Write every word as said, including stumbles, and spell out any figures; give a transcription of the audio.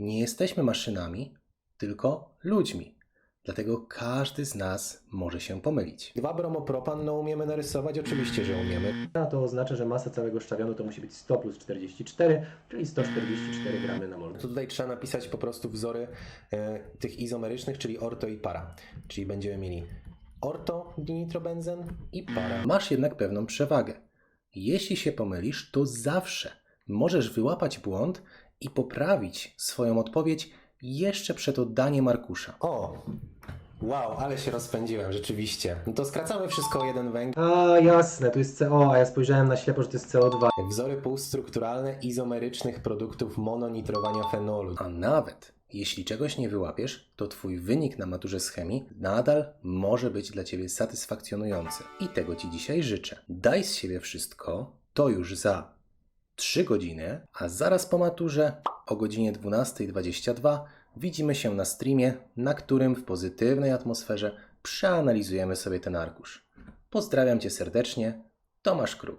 nie jesteśmy maszynami, tylko ludźmi. Dlatego każdy z nas może się pomylić. dwa bromopropan, no umiemy narysować? Oczywiście, że umiemy. A to oznacza, że masa całego szczawianu to musi być sto plus czterdzieści cztery, czyli sto czterdzieści cztery gramy na mol. To tutaj trzeba napisać po prostu wzory e, tych izomerycznych, czyli orto i para. Czyli będziemy mieli orto dinitrobenzen i para. Masz jednak pewną przewagę. Jeśli się pomylisz, to zawsze możesz wyłapać błąd i poprawić swoją odpowiedź jeszcze przed oddaniem arkusza. O! Wow, ale się rozpędziłem, rzeczywiście. No to skracamy wszystko o jeden węgiel. A jasne, tu jest C O, a ja spojrzałem na ślepo, że to jest C O dwa. Wzory półstrukturalne izomerycznych produktów mononitrowania fenolu. A nawet jeśli czegoś nie wyłapiesz, to Twój wynik na maturze z chemii nadal może być dla Ciebie satysfakcjonujący. I tego Ci dzisiaj życzę. Daj z siebie wszystko, to już za trzy godziny, a zaraz po maturze o godzinie dwunasta dwadzieścia dwa widzimy się na streamie, na którym w pozytywnej atmosferze przeanalizujemy sobie ten arkusz. Pozdrawiam Cię serdecznie, Tomasz Kruk.